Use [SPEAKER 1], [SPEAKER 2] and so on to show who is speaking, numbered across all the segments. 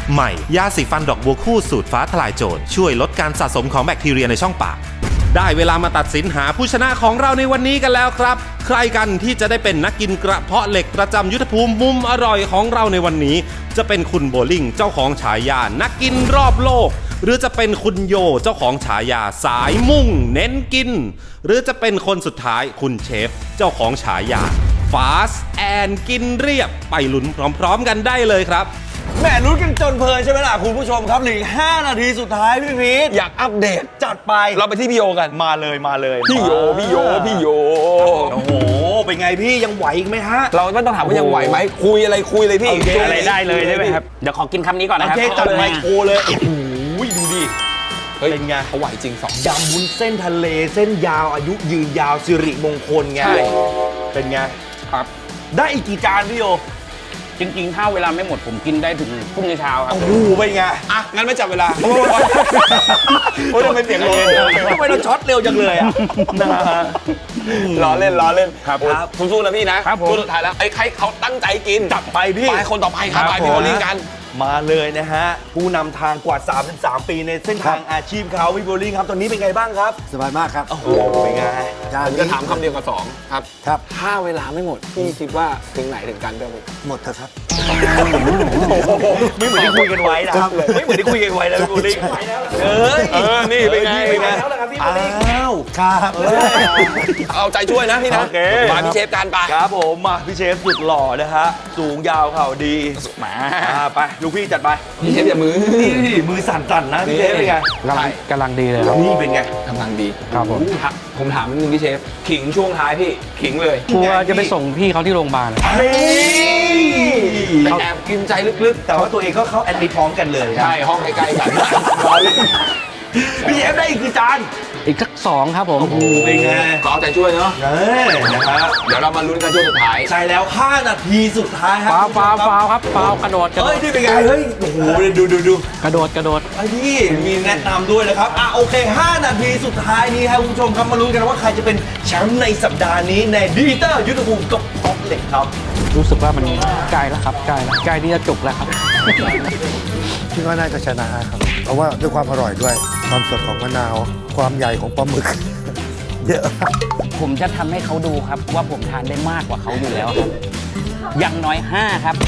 [SPEAKER 1] ใหม่ยาสีฟันดอกบัวคู่สูตรฟ้าทลายโจรช่วยลดการสะสมของแบคทีเรียในช่องปากได้เวลามาตัดสินหาผู้ชนะของเราในวันนี้กันแล้วครับใครกันที่จะได้เป็นนักกินกระเพาะเหล็กประจำยุทธภูมิมุมอร่อยของเราในวันนี้จะเป็นคุณโบลิ่งเจ้าของฉายานักกินรอบโลกหรือจะเป็นคุณโยเจ้าของฉายาสายมุ่งเน้นกินหรือจะเป็นคนสุดท้ายคุณเชฟเจ้าของฉายาฟาสแอนกินเรียบไปลุ้นพร้อมๆกันได้เลยครับ
[SPEAKER 2] แหมลุ้นกันจนเพลินใช่ไหมล่ะคุณผู้ชมครับเหลืออีก5 นาทีสุดท้ายพี่พีท
[SPEAKER 3] อยากอัปเดต
[SPEAKER 2] จัดไป
[SPEAKER 3] เราไปที่พี่โยกัน
[SPEAKER 2] มาเลย
[SPEAKER 3] พี่โย
[SPEAKER 2] โอ้โหเป็นไงพี่ยังไหวอีกไหมฮะ
[SPEAKER 3] เราไม่ต้องถามว่ายังไหวไหมคุยเลยพี่
[SPEAKER 4] อะไรได้เลยใช่ไหมครับเดี๋ยวขอกินคำนี้ก่อนนะครับ
[SPEAKER 2] จัดไมโครเลยโอ้โหดูดิเป็นไง
[SPEAKER 3] เขาไหวจริง2
[SPEAKER 2] ยำวุ้นเส้นทะเลเส้นยาวอายุยืนยาวสิริมงคลไงเป็นไง
[SPEAKER 4] ครับ
[SPEAKER 2] ได้อีกกี่จานพี่โย
[SPEAKER 4] จริงๆถ้าเวลาไม่หมดผมกินได้ถึงพรุ่งนี้เช้าครับ
[SPEAKER 2] โอ้โหเป็นไง
[SPEAKER 3] อ่ะงั้นไม่จับเวลา
[SPEAKER 2] โอ้ยทำไมเสียงเร็วทำไมเราช็อตเร็วจังเลยอ่ะ
[SPEAKER 3] ล้อเล่น
[SPEAKER 4] ครับ
[SPEAKER 3] สู้ๆนะพี่นะครับ
[SPEAKER 4] ผม
[SPEAKER 3] สุดท้ายแล้วไอ้ใครเขาตั้งใจกิน
[SPEAKER 2] จับไปพี่
[SPEAKER 3] ไปคนต่อไปครับไปพี่โบลิ่งกัน
[SPEAKER 2] มาเลยนะฮะผู้นำทางกว่า33 ปีในเส้นทางอาชีพเขาพี่โบลิ่งครับตอนนี้เป็นไงบ้างครับ
[SPEAKER 5] สบายมากครับ
[SPEAKER 2] โอ้โหเป็นไง
[SPEAKER 3] ผมจะถามคำเดียวกับ2ครับถ้าเวลาไม่หมดพี่คิดว่าถึงไหนถึงกันได้
[SPEAKER 5] หมดเถอะครับ
[SPEAKER 2] ไม่เหมือนที่คุยกันไว้นะครับไม่เหมือนที่คุยกันไว้นะพี่โบลิ่ง
[SPEAKER 3] นี่เป็นไง
[SPEAKER 2] อ้าว
[SPEAKER 5] ครับ
[SPEAKER 3] เอาใจช่วยนะพี่นะมาพี่เชฟการไป
[SPEAKER 2] ครับผมมาพี่เชฟสุดหล่อนะฮะสูงยาวเข่าดี
[SPEAKER 3] มา
[SPEAKER 2] ไปลูกพี่จัดไป
[SPEAKER 3] พี่เชฟอย่ามือ
[SPEAKER 2] มือสั่นๆนะพี่เชฟเป็นไง
[SPEAKER 4] กำลังดีเลยครับ
[SPEAKER 2] นี่เป็นไง
[SPEAKER 3] กำลังดี
[SPEAKER 4] ครับ
[SPEAKER 3] ผมถามนิดนึงพี่เชฟขิงช่วงท้ายพี่ขิงเลย
[SPEAKER 4] กลัวจะไปส่งพี่เขาที่โรงพยาบาล
[SPEAKER 3] แอบกินใจลึกๆ
[SPEAKER 2] แต่ว่าตัวเองก็เข้าแอดมิทพร้อมกันเลย
[SPEAKER 3] ใช่ห้องใกล้ๆกัน
[SPEAKER 2] พี่เชฟได้อีกกี่จาน
[SPEAKER 4] อีกสัก2ครับผม
[SPEAKER 2] เป็นไง
[SPEAKER 3] ก็เอาใจช่วยเนาะ
[SPEAKER 2] นะครับ
[SPEAKER 3] เดี๋ยวเรามาลุ้นกันช่วงสุดท้าย
[SPEAKER 2] ใช่แล้ว5 นาทีสุดท้ายครับ
[SPEAKER 4] ฟาวครับฟาวกระโดด
[SPEAKER 2] เฮ้ยนี่เป็นไงเฮ้ยโอ้โหดู
[SPEAKER 4] กระโดด
[SPEAKER 2] ไอ้นี่มีแนะนำด้วยนะครับโอเค5 นาทีสุดท้ายนี้ครับคุณผู้ชมครับมาลุ้นกันว่าใครจะเป็นแชมป์ในสัปดาห์นี้ในดิจิตอลยุทธภูมิกับท็อปเหล็กครับ
[SPEAKER 4] รู้สึกว่ามันใกล้แล้วครับใกล้ที่จะจบแล้วครับ
[SPEAKER 5] คิดว่าน่าจะชนะครับเพราะว่าด้วยความอร่อยด้วยความสดของมะนาวความใหญ่ของปลาหมึกเยอะ
[SPEAKER 4] ผมจะทำให้เขาดูครับว่าผมทานได้มากกว่าเขาอยู่แล้วครับอย่างน้อย5ครับ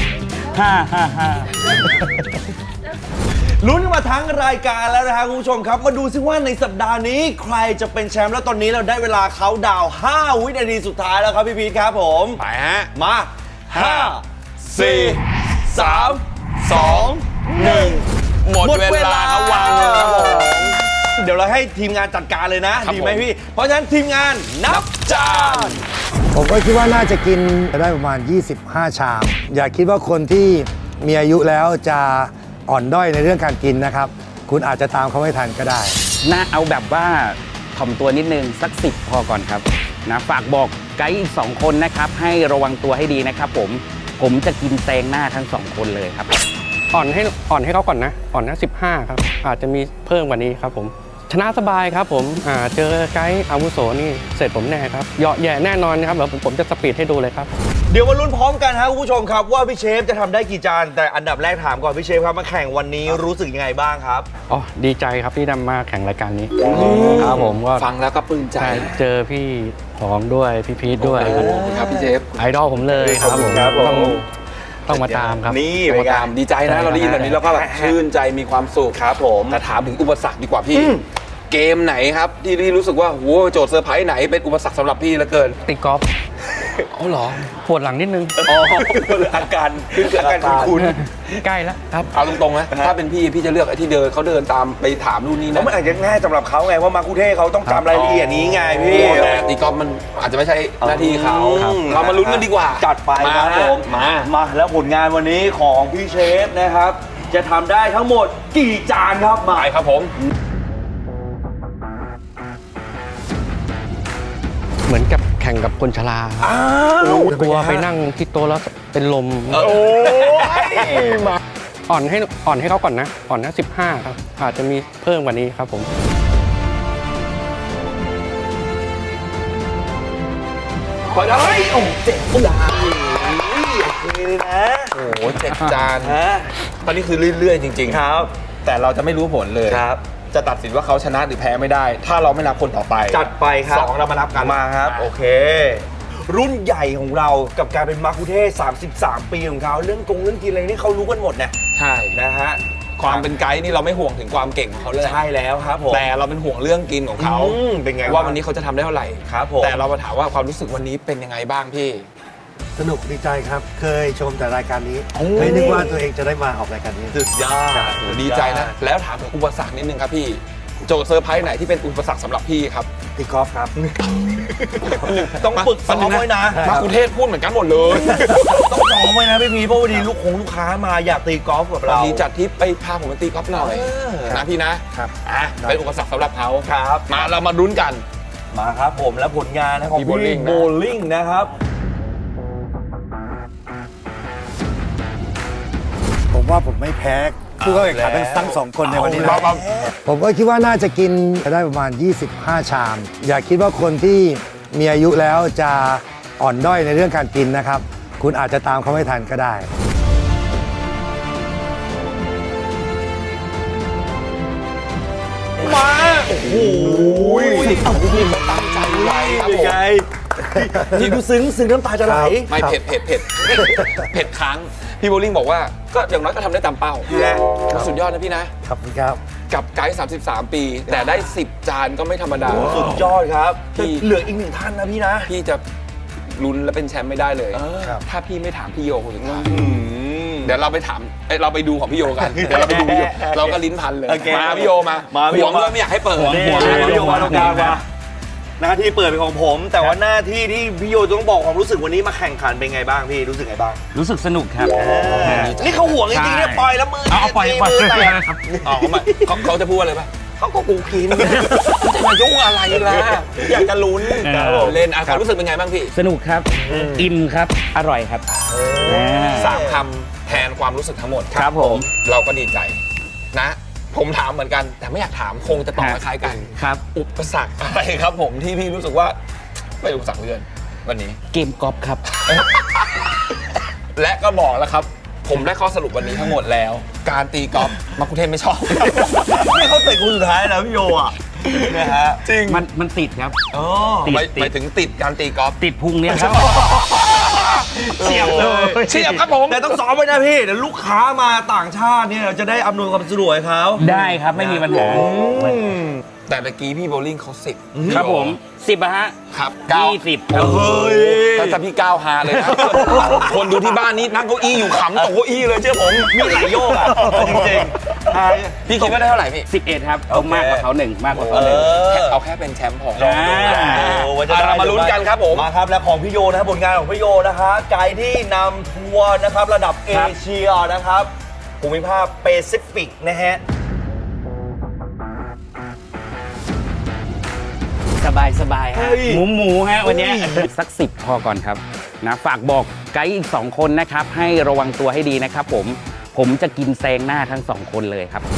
[SPEAKER 4] 5
[SPEAKER 2] ลุ้นมาทั้งรายการแล้วนะครับคุณผู้ชมครับมาดูซิว่าในสัปดาห์นี้ใครจะเป็นแชมป์แล้วตอนนี้เราได้เวลาเขาดาว5 วินาทีสุดท้ายแล้วครับพี่พีทครับผม
[SPEAKER 3] ไปฮะ
[SPEAKER 2] มา5 4 3 2 1
[SPEAKER 3] หมดเวลาเขาวางเลยครับผม
[SPEAKER 2] เดี๋ยวเราให้ทีมงานจัดการเลยนะดีไหมพี่เพราะฉะนั้นทีมงานนับจาน
[SPEAKER 5] ผมก็คิดว่าน่าจะกินได้ประมาณ25 ชามอย่าคิดว่าคนที่มีอายุแล้วจะอ่อนด้อยในเรื่องการกินนะครับคุณอาจจะตามเขาไม่ทันก็ได้
[SPEAKER 4] น่าเอาแบบว่าถ่อมตัวนิดนึงสัก10พอก่อนครับนะฝากบอกไกด์อีก2 คนนะครับให้ระวังตัวให้ดีนะครับผมจะกินแซงหน้าทั้ง2 คนเลยครับอ่อนให้เขาก่อนนะอ่อนนะ15ครับอาจจะมีเพิ่มกว่านี้ครับผมชนะสบายครับผมเจอไกด์อาวุโสนี่เสร็จผมแน่ครับเหยาะแย่แน่นอนครับเดี๋ยวผมจะสปีดให้ดูเลยครับ
[SPEAKER 2] เดี๋ยวมาลุ้นพร้อมกันครับคุณผู้ชมครับว่าพี่เชฟจะทำได้กี่จานแต่อันดับแรกถามก่อนพี่เชฟครับมาแข่งวันนี้รู้สึกยังไงบ้างครับ
[SPEAKER 4] อ๋อดีใจครับที่ได้มาแข่งรายการนี้ครับผมก็
[SPEAKER 3] ฟังแล้วก็ปลื้มใจ
[SPEAKER 4] เจอพี่หอมด้วยพี่พีทด้วย
[SPEAKER 3] ครับพี่เชฟ
[SPEAKER 4] ไอดอลผมเลยครับผมต้องมาตามครับ
[SPEAKER 3] นี่มาตามดีใจนะเราได้ยินแบบนี้แล้วก็แบบชื่นใจมีความสุข
[SPEAKER 2] ครับผม
[SPEAKER 3] แต่ถามถึงอุปสรรคดีกว่าพี่เกมไหนครับที่รู้สึกว่าโหโจทย์เซอร์ไพรส์ไหนเป็นอุปสรรคสำหรับพี่เหลือเกิน
[SPEAKER 4] ตีกอล์ฟ
[SPEAKER 3] อ๋อเหรอ
[SPEAKER 4] ปวดหลังนิดนึง
[SPEAKER 2] อาการคุณ
[SPEAKER 4] ใกล้แล้วครับ
[SPEAKER 3] เอาตรงๆนะถ้าเป็นพี่จะเลือกไอ้ที่เขาเดินตามไปถามนู่นนี่นะ
[SPEAKER 2] มันอาจจะง่ายสำหรับเขาไงว่ามาคุเทศเขาต้องจำรายละเอียดนี้ไงพี่
[SPEAKER 3] แต่ตีกอล์ฟมันอาจจะไม่ใช่หน้าที่เขาเรามาลุ้นกันดีกว่า
[SPEAKER 2] จัดไปครับผมมาแล้วผลงานวันนี้ของพี่เชฟนะครับจะทำได้ทั้งหมดกี่จานครับ
[SPEAKER 3] มาครับผม
[SPEAKER 4] เหมือนกับแข่งกับคนชรากลัวไปนั่งที่โต๊ะแล้วเป็นลมมาอ่อนให้เขาก่อนนะอ่อนนะ15ครับอาจจะมีเพิ่มกว่านี้ครับผม
[SPEAKER 3] พอได้
[SPEAKER 2] โอ้เจ็ดจานโอเคเลยนะ
[SPEAKER 3] โอ้โห7 จาน
[SPEAKER 2] ฮะ
[SPEAKER 3] ตอนนี้คือเรื่อยๆจริงๆ
[SPEAKER 2] ครับ
[SPEAKER 3] แต่เราจะไม่รู้ผลเลย
[SPEAKER 2] ครับ
[SPEAKER 3] จะตัดสินว่าเขาชนะหรือแพ้ไม่ได้ ถ้าเราไม่นับคนต่อไป
[SPEAKER 2] จัดไปครับ
[SPEAKER 3] 2เรามานับกัน
[SPEAKER 2] มาครับ โอเค รุ่นใหญ่ของเรากับการเป็นมักคุเทศก์33 ปีของเขาเรื่องเรื่องกินอะไรนี่เขารู้กันหมดนะ
[SPEAKER 3] ใช่
[SPEAKER 2] นะฮะ
[SPEAKER 3] ความเป็นไกด์นี่เราไม่ห่วงถึงความเก่งของเขาเลย
[SPEAKER 2] ใช่แล้วครับผม
[SPEAKER 3] แต่เราเป็นห่วงเรื่องกินของเขา
[SPEAKER 2] เป็นไง
[SPEAKER 3] ว่าวันนี้เขาจะทำได้เท่าไหร่
[SPEAKER 2] ครับผม
[SPEAKER 3] แต่เรามาถามว่าความรู้สึกวันนี้เป็นยังไงบ้างพี่
[SPEAKER 5] สนุกดีใจครับ เคยชมแต่รายการนี้
[SPEAKER 3] โอ้
[SPEAKER 5] ไม่นึกว่าตัวเองจะได้มาออกรายการนี้
[SPEAKER 2] สุดยอด
[SPEAKER 3] โอ้ดีใจนะ แล้วถามถึงอุปสรรคนิดนึงครับพี่ โจทย์เซอร์ไพรส์ไหนที่เป็นอุปสรรคสำหรับพี่ครับ
[SPEAKER 5] ตีกอล์ฟครับ
[SPEAKER 2] ต้องฝึกซ้อมไว้นะ
[SPEAKER 3] มาคุเทศพูดเหมือนกันหมดเลย
[SPEAKER 2] ต้องซ้อมไว้นะพี่พีเพราะวันนี้ลูกค้ามาอยากตีกอล์ฟกับ
[SPEAKER 3] วัน
[SPEAKER 2] เรา
[SPEAKER 3] นี้จัดทริปไปพาผมไปตีกอล์ฟหน่อย
[SPEAKER 2] เออ
[SPEAKER 3] นะพี่นะครับ อ่ะเป็นอุปสรรคสำหรับเขา
[SPEAKER 2] ครับ
[SPEAKER 3] มาเรามาลุ้นกัน
[SPEAKER 2] มาครับผมและผลงานนะของ
[SPEAKER 3] พี่
[SPEAKER 2] พี่
[SPEAKER 3] bowling นะ
[SPEAKER 2] โบลิ่งนะครับ
[SPEAKER 5] ผมว่าผมไม่แพ้ผู้เข้าแข่งขันทั้งสองคนในวันนี้นะ
[SPEAKER 3] เอาแล้ว
[SPEAKER 5] ผมก็คิดว่าน่าจะกินได้ประมาณ 25 ชาม อย่าคิดว่าคนที่มีอายุแล้วจะอ่อนด้อยในเรื่องการกินนะครับ คุณอาจจะตามเขาไม่ทันก็ได้
[SPEAKER 2] มาโอ้โห
[SPEAKER 3] เอาพี่เขาตั้งใจไว้ครับผม
[SPEAKER 2] ไงพี่ดูซึ้งน้ำตาจะไหล
[SPEAKER 3] ไม่เผ็ดเผ็ดค้างพี่โบลิ่งบอกว่าก็อย่างน้อยก็ทำได้ตามเป้า
[SPEAKER 2] และ
[SPEAKER 3] สุดยอดนะพี่นะ
[SPEAKER 5] ขอบคุณครับ
[SPEAKER 3] กับไกด์33 ปี แต่ได้ 10 จานก็ไม่ธรรมดา
[SPEAKER 2] สุดยอดครับ
[SPEAKER 3] พี่
[SPEAKER 2] เหลืออีกหนึ่งท่านนะพี่นะ
[SPEAKER 3] พี่จะลุ้นและเป็นแชมป์ไม่ได้เลย
[SPEAKER 5] ครับ
[SPEAKER 3] ถ้าพี่ไม่ถามพี่โยคนสุดท้ายเดี๋ยวเราไปถามเราไปดูของพี่โยกัน เดี๋ยวเราไปดูพี่โยเราก็ลิ้นพันเลย
[SPEAKER 2] โอเค
[SPEAKER 3] มาพี่โยมา
[SPEAKER 2] พี่
[SPEAKER 3] ห่
[SPEAKER 2] โยว
[SPEAKER 3] งเลยไม่อยากให้เปิด
[SPEAKER 2] นี่
[SPEAKER 3] ห่วงเลย
[SPEAKER 2] พี่โยมาตรงกลางมาหน้าที่เปิดเป็นของผม แต่ว่าหน้าที่ที่พี่โยต้องบอกความรู้สึกวันนี้มาแข่งขันเป็นไงบ้างพี่รู้สึกไงบ้าง
[SPEAKER 4] รู้สึกสนุกครับ
[SPEAKER 2] นี่เขาห่วงจริงๆเนี่ยปล่อยแล้วมือ
[SPEAKER 4] เอาปล่อย
[SPEAKER 2] มือแตก
[SPEAKER 4] ครับ
[SPEAKER 3] อ๋อเขาจะพูดอะไรป่ะ
[SPEAKER 2] เขาก็กูกิน
[SPEAKER 3] จะมายุ่งอะไรล่ะอยากจะลุ้น
[SPEAKER 4] ครับผม
[SPEAKER 3] เล่นความรู้สึกเป็นไงบ้างพี่
[SPEAKER 4] สนุกครับ อิ่มครับ อร่อยครับ
[SPEAKER 3] 3 คำแทนความรู้สึกทั้งหมด
[SPEAKER 4] ครับผม
[SPEAKER 3] เราก็ดีใจนะ ผมถามเหมือนกัน แต่ไม่อยากถามคงจะตอบคล้ายๆกัน
[SPEAKER 4] ครับ
[SPEAKER 3] อุปสรรคอะไรครับผมที่พี่รู้สึกว่าไม่อุปสรรคเลื่อนวันนี้
[SPEAKER 4] เกมกอล์ฟครับ
[SPEAKER 3] และก็บอกแล้วครับ ผมได้ข้อสรุปวันนี้ทั้งหมดแล้ว การตีกอล์ฟมักคุเทศไม่ชอบ
[SPEAKER 2] นี่เขาเตะคนสุดท้ายแล้วพี่โยอ่ะนะฮะ
[SPEAKER 3] จริง
[SPEAKER 4] มันติดครับ
[SPEAKER 2] อ๋อ
[SPEAKER 4] ติด
[SPEAKER 3] หมายถึงติดการตีกอล์ฟ
[SPEAKER 4] ติดพุงเนี่ยครับ
[SPEAKER 3] เฉียบเลยเฉียบครับผม
[SPEAKER 2] แต่ต้องซ้อมไว้นะพี่เดี๋ยวลูกค้ามาต่างชาติเนี่ยเราจะได้อำนวยความสะดวกให้เขา
[SPEAKER 4] ได้ครับไม่มีปัญหา
[SPEAKER 3] แต่เมื่อกี้พี่โบลิ่งเขา10
[SPEAKER 4] ครับผม10อะฮะ
[SPEAKER 3] ครับ
[SPEAKER 4] 20
[SPEAKER 2] เฮ้ย
[SPEAKER 3] ถ้าจะพี่ก้าวฮาเลยนะ คนดูที่บ้านนี้นั่งเก้าอี้อยู่ขำตกเก้าอี้เลยเชื่อผม
[SPEAKER 2] มีหลายโยกอ่ะจริงๆ
[SPEAKER 3] พี่คิดว่าได้เท่าไหร่พี่
[SPEAKER 4] 11 ครับต้องมากกว่าเขาหนึ่งมากกว่าเขาหนึ่ง
[SPEAKER 3] เอาแค่เป็นแชมป์พอ
[SPEAKER 2] ลองดูลองดูว่าจะได้
[SPEAKER 3] เรามาลุ้นกันครับผม
[SPEAKER 2] มาครับและของพี่โยนะครับผลงานของพี่โยนะคะไกด์ที่นำทัวร์นะครับระดับเอเชียนะครับภูมิภาคแปซิฟิกนะฮะ
[SPEAKER 4] สบายฮะ
[SPEAKER 2] เฮ้ย
[SPEAKER 4] หมูฮะวันเนี้ยสัก 10 พอก่อนครับนะฝากบอกไกด์อีก 2 คนนะครับ ให้ระวังตัวให้ดีนะครับผมจะกินแซงหน้าทั้ง 2 คนเลยครับ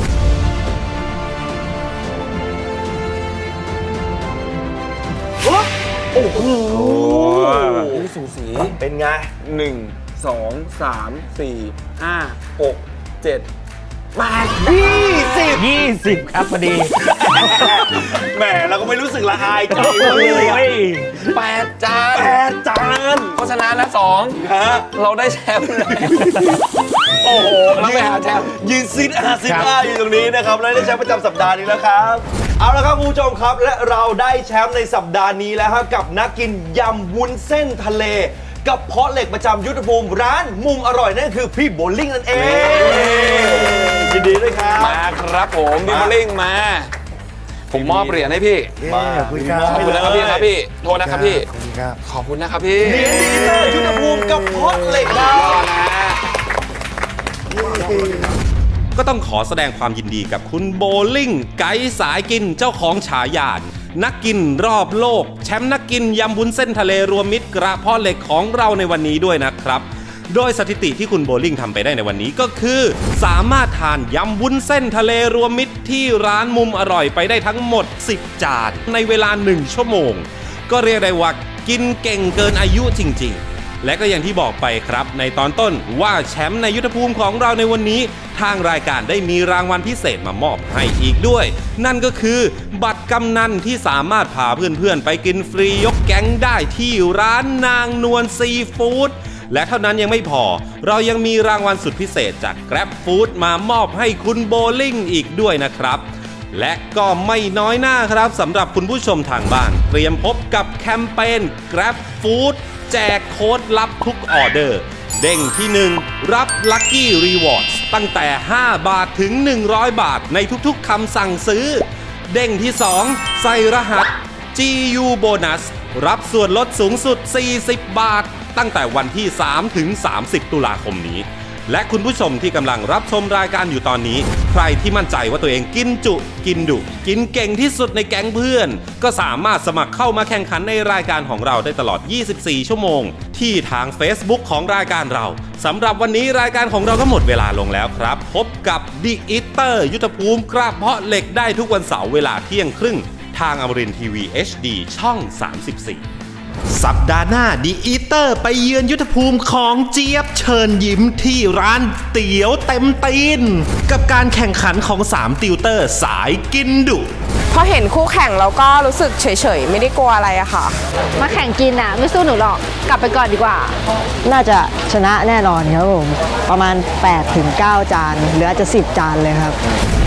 [SPEAKER 2] โอ้โห
[SPEAKER 3] สูสี
[SPEAKER 2] เป็นไง
[SPEAKER 3] 1 2 3 4 5 6 7
[SPEAKER 4] 20 ครับพอดี
[SPEAKER 2] แหมเราก็ไม่รู้สึกละอายใจ
[SPEAKER 4] โอ้
[SPEAKER 2] เลยอะ
[SPEAKER 4] ย
[SPEAKER 3] 8 จาน
[SPEAKER 2] 8 จาน
[SPEAKER 3] เพราะฉะนั้นแล้ว2
[SPEAKER 2] ฮะ
[SPEAKER 3] เราได้แชมป์แล้วโอ้โหเราไปหาแชมป์
[SPEAKER 2] ยืนซิดอยู่ตรงนี้นะครับและได้แชมป์ประจำสัปดาห์นี้แล้วครับ เอาละครับคุณผู้ชมครับและเราได้แชมป์ในสัปดาห์นี้แล้วครับกับนักกินยำวุ้นเส้นทะเล กับเพาะเหล็กประจำยุทธภูมิร้านมุมอร่อยนั่นคือพี่โบลิ่งนั่นเองยินดีด้วยครับ
[SPEAKER 3] มาครับผมพี่โบลิ่งมา ผมมอบเหรียญให้พี่
[SPEAKER 5] ขอบคุณครับ
[SPEAKER 3] ขอบคุณนะครับพี่ครับพี่โทษนะครับพี่
[SPEAKER 5] ขอบคุณครับ
[SPEAKER 3] ขอบคุณนะครับพี่
[SPEAKER 2] เหรียญดีเลยยุทธภูมิกับเพาะเหล็กครั
[SPEAKER 3] ร
[SPEAKER 2] บ
[SPEAKER 3] อนะ
[SPEAKER 1] ก็ต้องขอแสดงความยินดีกับคุณโบลิ่งไกด์สายกินเจ้าของฉายานักกินรอบโลก แชมป์นักกินยำวุ้นเส้นทะเลรวมมิตรกระเพาะเหล็กของเราในวันนี้ด้วยนะครับ โดยสถิติที่คุณโบลิ่งทำไปได้ในวันนี้ก็คือ สามารถทานยำวุ้นเส้นทะเลรวมมิตรที่ร้านมุมอร่อยไปได้ทั้งหมด10 จานในเวลา1 ชั่วโมง ก็เรียกได้ว่ากินเก่งเกินอายุจริงๆ และก็อย่างที่บอกไปครับในตอนต้นว่าแชมป์ในยุทธภูมิของเราในวันนี้ทางรายการได้มีรางวัลพิเศษมามอบให้อีกด้วยนั่นก็คือบัตรกำนันที่สามารถพาเพื่อนๆไปกินฟรียกแก๊งได้ที่ร้านนางนวลซีฟู้ดและเท่านั้นยังไม่พอเรายังมีรางวัลสุดพิเศษจาก Grab Food มามอบให้คุณโบลิ่งอีกด้วยนะครับและก็ไม่น้อยหน้าครับสำหรับคุณผู้ชมทางบ้านเตรียมพบกับแคมเปญ Grab Food แจกโค้ดลับทุกออเดอร์เด้งที่ 1 รับ Lucky Rewards ตั้งแต่ 5 บาทถึง 100 บาทในทุกๆคำสั่งซื้อเด้งที่ 2 ใส่รหัส GU Bonus รับส่วนลดสูงสุด 40 บาทตั้งแต่วันที่ 3 ถึง 30 ตุลาคมนี้และคุณผู้ชมที่กำลังรับชมรายการอยู่ตอนนี้ใครที่มั่นใจว่าตัวเองกินจุกินดุกินเก่งที่สุดในแก๊งเพื่อนก็สามารถสมัครเข้ามาแข่งขันในรายการของเราได้ตลอด 24 ชั่วโมงที่ทาง Facebook ของรายการเราสำหรับวันนี้รายการของเราก็หมดเวลาลงแล้วครับพบกับ The Eater ยุทธภูมิกระเพาะเหล็กได้ทุกวันเสาร์เวลาเที่ยงครึ่งทางอมรินทร์ทีวี HD ช่อง 34สัปดาห์หน้าดีอีเตอร์ไปเยือนยุทธภูมิของเจี๊ยบเชิญยิ้มที่ร้านเตี๋ยวเต็มตีนกับการแข่งขันของ3ติวเตอร์สายกินดุ
[SPEAKER 6] พอเห็นคู่แข่งแล้วก็รู้สึกเฉยๆไม่ได้กลัวอะไรอะค่ะ
[SPEAKER 7] มาแข่งกินอ่ะไม่สู้หนูหรอกกลับไปก่อนดีกว่า
[SPEAKER 8] น่าจะชนะแน่นอนครับผม ประมาณ 8-9 จานหรืออาจจะ 10 จานเลยครับ